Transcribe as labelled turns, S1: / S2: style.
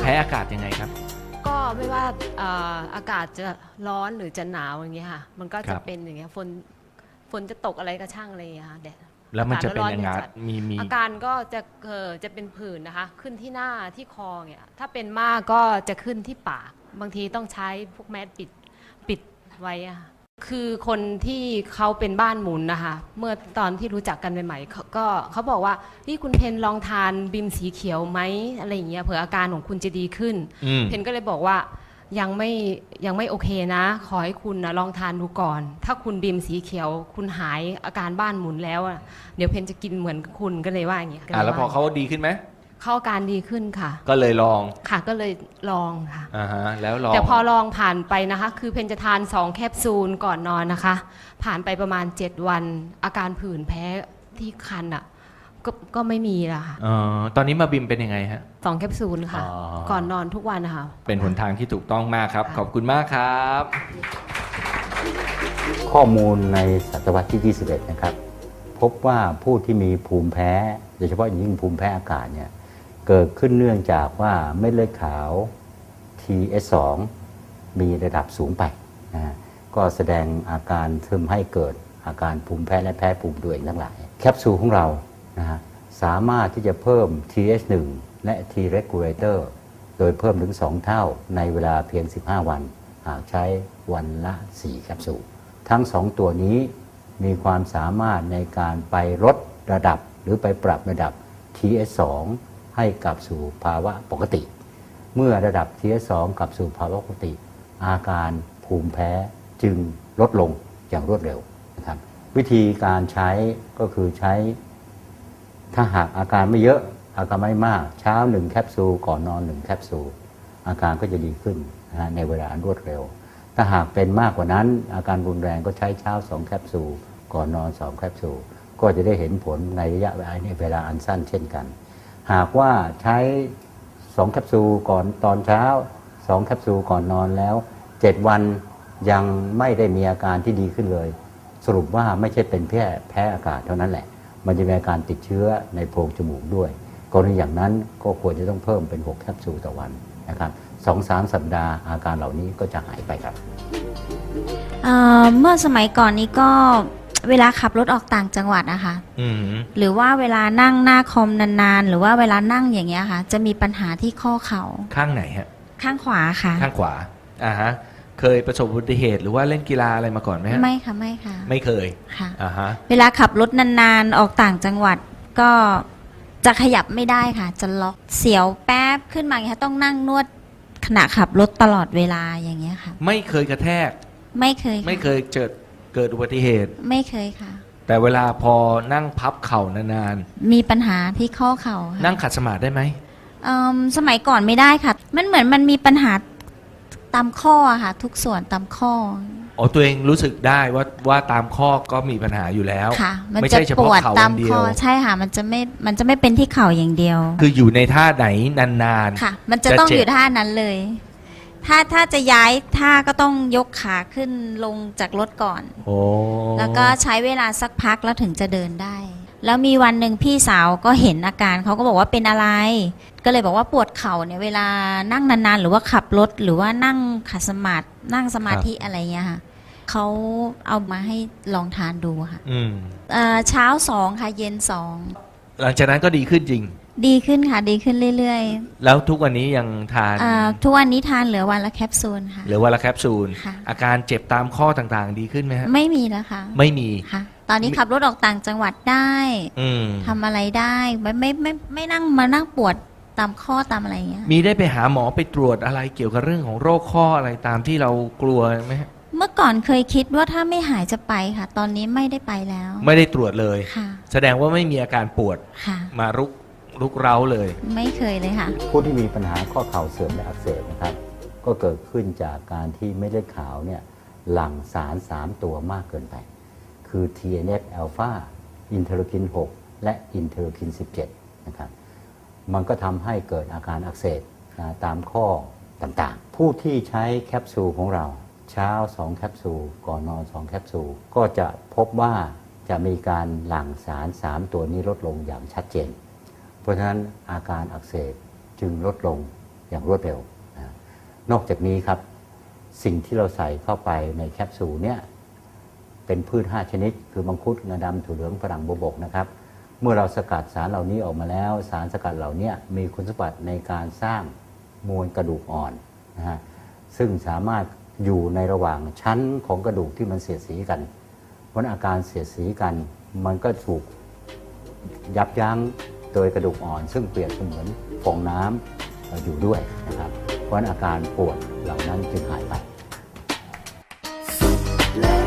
S1: พ้อากาศยังไงครับ
S2: ก็ไม่ว่าอากาศจะร้อนหรือจะหนาวอย่างเงี้ยค่ะมันก็จะเป็นอย่างเงี้ยฝนจะตกอะไรก็ช่างอะไรอย่างเงี้ยค่ะแดด
S1: แล้วมันจะเป็นยังไงมี
S2: อาการก็จะเป็นผื่นนะคะขึ้นที่หน้าที่คอเนี่ยถ้าเป็นมากก็จะขึ้นที่ปากบางทีต้องใช้พวกแมสปิดไว้อะคือคนที่เขาเป็นบ้านหมุนนะคะเมื่อตอนที่รู้จักกันใหม่ๆเขาบอกว่าพี่คุณเพนลองทานบิมสีเขียวไหมอะไรอย่างเงี้ยเผื่ออาการของคุณจะดีขึ้นเพนก็เลยบอกว่ายังไม่โอเคนะขอให้คุณนะลองทานดูก่อนถ้าคุณบิมสีเขียวคุณหายอาการบ้านหมุนแล้วเดี๋ยวเพนจะกินเหมือนคุณก็เลยว่าอย่างเงี้ย
S1: แล้วพอเขาดีขึ้นไหม
S2: เขาอาการดีขึ้นค่ะ
S1: ก็เลยลอง
S2: ค่ะก็เลยลองค่ะ
S1: แล้วลอง
S2: แต่พอลองผ่านไปนะคะคือเพนจะทาน2แคปซูลก่อนนอนนะคะผ่านไปประมาณ7วันอาการผื่นแพ้ที่คันก็ไม่มีแล้วค่ะ
S1: ตอนนี้มาบิมเป็นยังไงฮะ
S2: 2แคปซูลค่ะก่อนนอนทุกวันนะคะ
S1: เป็นหนทางที่ถูกต้องมากครับขอบคุณมากครับ
S3: ข้อมูลในศตวรรษที่21นะครับพบว่าผู้ที่มีภูมิแพ้โดยเฉพาะยิ่งภูมิแพ้อากาศเนี่ยเกิดขึ้นเนื่องจากว่าเม็ดเลือดขาว TS2 มีระดับสูงไปนะก็แสดงอาการทำให้เกิดอาการภูมิแพ้และแพ้ภูมิตัวเองทั้งหลายแคปซูลของเรานะฮะสามารถที่จะเพิ่ม TH1 และ T regulator โดยเพิ่มถึง2เท่าในเวลาเพียง15วันหากใช้วันละ4แคปซูลทั้ง2ตัวนี้มีความสามารถในการไปลดระดับหรือไปปรับระดับ TS2 ให้กลับสู่ภาวะปกติเมื่อระดับ TS2 กลับสู่ภาวะปกติอาการภูมิแพ้จึงลดลงอย่างรวดเร็วนะครับวิธีการใช้ก็คือใช้ถ้าหากอาการไม่เยอะอาการไม่มากเช้า1แคปซูลก่อนนอน1แคปซูลอาการก็จะดีขึ้นนะในเวลารวดเร็วถ้าหากเป็นมากกว่านั้นอาการรุนแรงก็ใช้เช้า2แคปซูลก่อนนอน2แคปซูลก็จะได้เห็นผลในระยะเวลาอันสั้นเช่นกันหากว่าใช้2แคปซูลก่อนตอนเช้า2แคปซูลก่อนนอนแล้ว7วันยังไม่ได้มีอาการที่ดีขึ้นเลยสรุปว่าไม่ใช่เป็นแพ้อากาศเท่านั้นแหละมันจะมีอาการติดเชื้อในโพรงจมูกด้วยกรณีอย่างนั้นก็ควรจะต้องเพิ่มเป็น6แคปซูลต่อวันนะครับ 2-3 สัปดาห์อาการเหล่านี้ก็จะหายไปครับ
S4: เมื่อสมัยก่อนนี้ก็เวลาขับรถออกต่างจังหวัดนะคะหรือว่าเวลานั่งหน้าคอมนานๆหรือว่าเวลานั่งอย่างเงี้ยค่ะจะมีปัญหาที่ข้อเข่า
S1: ข้างไหนฮะ
S4: ข้างขวาค่ะ
S1: ข้างขวาเคยประสบอุบัติเหตุหรือว่าเล่นกีฬาอะไรมาก่อนไหมฮะ
S4: ไม่ค่ะไม่ค่ะ
S1: ไม่เคย
S4: ค่ะเวลาขับรถนานๆออกต่างจังหวัดก็จะขยับไม่ได้ค่ะจะล็อกเสียวแป๊บขึ้นมาอย่างเงี้ยต้องนั่งนวดขณะขับรถตลอดเวลาอย่างเงี้ยค่ะ
S1: ไม่เคยกระแทก
S4: ไม่เคย
S1: เกิดอุบัติเหตุ
S4: ไม่เคยค่ะ
S1: แต่เวลาพอนั่งพับเข่านาน
S4: ๆมีปัญหาที่ข้อเข่า
S1: นั่งขัดสมาธิได้ไหม
S4: สมัยก่อนไม่ได้ค่ะมันเหมือนมันมีปัญหาตามข้อค่ะทุกส่วนตามข้อ
S1: ตัวเองรู้สึกได้ว่าตามข้อก็มีปัญหาอยู่แล้ว
S4: ค่ะมันจะปวดตามข้อใช่ค่ะมันจะไม่เป็นที่เข่าอย่างเดียว
S1: คืออยู่ในท่าไหนนาน
S4: ๆค่ะมันจะต้องอยู่ท่านั้นเลยถ้าจะย้ายท่าก็ต้องยกขาขึ้นลงจากรถก่อนแล้วก็ใช้เวลาสักพักแล้วถึงจะเดินได้แล้วมีวันหนึ่งพี่สาวก็เห็นอาการเขาก็บอกว่าเป็นอะไรก็เลยบอกว่าปวดเข่าเนี่ยเวลานั่งนานๆหรือว่าขับรถหรือว่านั่งขัดสมาธินั่งสมาธิอะไรเงี้ยค่ะเขาเอามาให้ลองทานดูค่ะเช้า2ค่ะเย็น2
S1: หลังจากนั้นก็ดีขึ้นจริง
S4: ดีขึ้นค่ะดีขึ้นเรื่อย
S1: ๆแล้วทุกวันนี้ยังทาน
S4: ทุกวันนี้ทานเหลือวันละแคปซูลค่ะ
S1: เหลือวันละแคปซูลอาการเจ็บตามข้อต่างๆดีขึ้นไหมฮะ
S4: ไม่มีแล้วค่ะ
S1: ไม่มี
S4: ค่ะตอนนี้ขับรถออกต่างจังหวัดได้ทำอะไรได้ไม่นั่งมานั่งปวดตามข้อตามอะไรอย่างเงี้ย
S1: มีได้ไปหาหมอไปตรวจอะไรเกี่ยวกับเรื่องของโรคข้ออะไรตามที่เรากลัวไหมฮะ
S4: เมื่อก่อนเคยคิดว่าถ้าไม่หายจะไปค่ะตอนนี้ไม่ได้ไปแล้ว
S1: ไม่ได้ตรวจเลย
S4: ค่ะ
S1: แสดงว่าไม่มีอาการปวดมารุกเร้าเลย
S4: ไม่เคยเลยค่ะ
S3: ผู้ที่มีปัญหาข้อเข่าเสื่อมและอักเสบนะครับก็เกิดขึ้นจากการที่เม็ดเลือดขาวเนี่ยหลั่งสาร3ตัวมากเกินไปคือ TNF อ l p h a อินเทอร์คิน6และอินเทอร์คิน17นะครับมันก็ทำให้เกิดอาการอักเสบตามข้อต่างๆผู้ที่ใช้แคปซูลของเราเช้า2แคปซูลก่อนนอน2แคปซูลก็จะพบว่าจะมีการหลั่งสาร3ตัวนี้ลดลงอย่างชัดเจนเพราะฉะนั้นอาการอักเสบจึงลดลงอย่างรวดเร็วนะนอกจากนี้ครับสิ่งที่เราใส่เข้าไปในแคปซูลเนี่ยเป็นพืช5ชนิดคือมังคุดงาดำถั่วเหลืองฝรั่งบวบกนะครับเมื่อเราสกัดสารเหล่านี้ออกมาแล้วสารสกัดเหล่านี้มีคุณสมบัติในการสร้างมวลกระดูกอ่อนนะฮะซึ่งสามารถอยู่ในระหว่างชั้นของกระดูกที่มันเสียดสีกันเพราะอาการเสียดสีกันมันก็ถูกยับยั้งโดยกระดูกอ่อนซึ่งเปรียบเสมือนฟองน้ำอยู่ด้วยนะครับเพราะอาการปวดเหล่านั้นจึงหายไป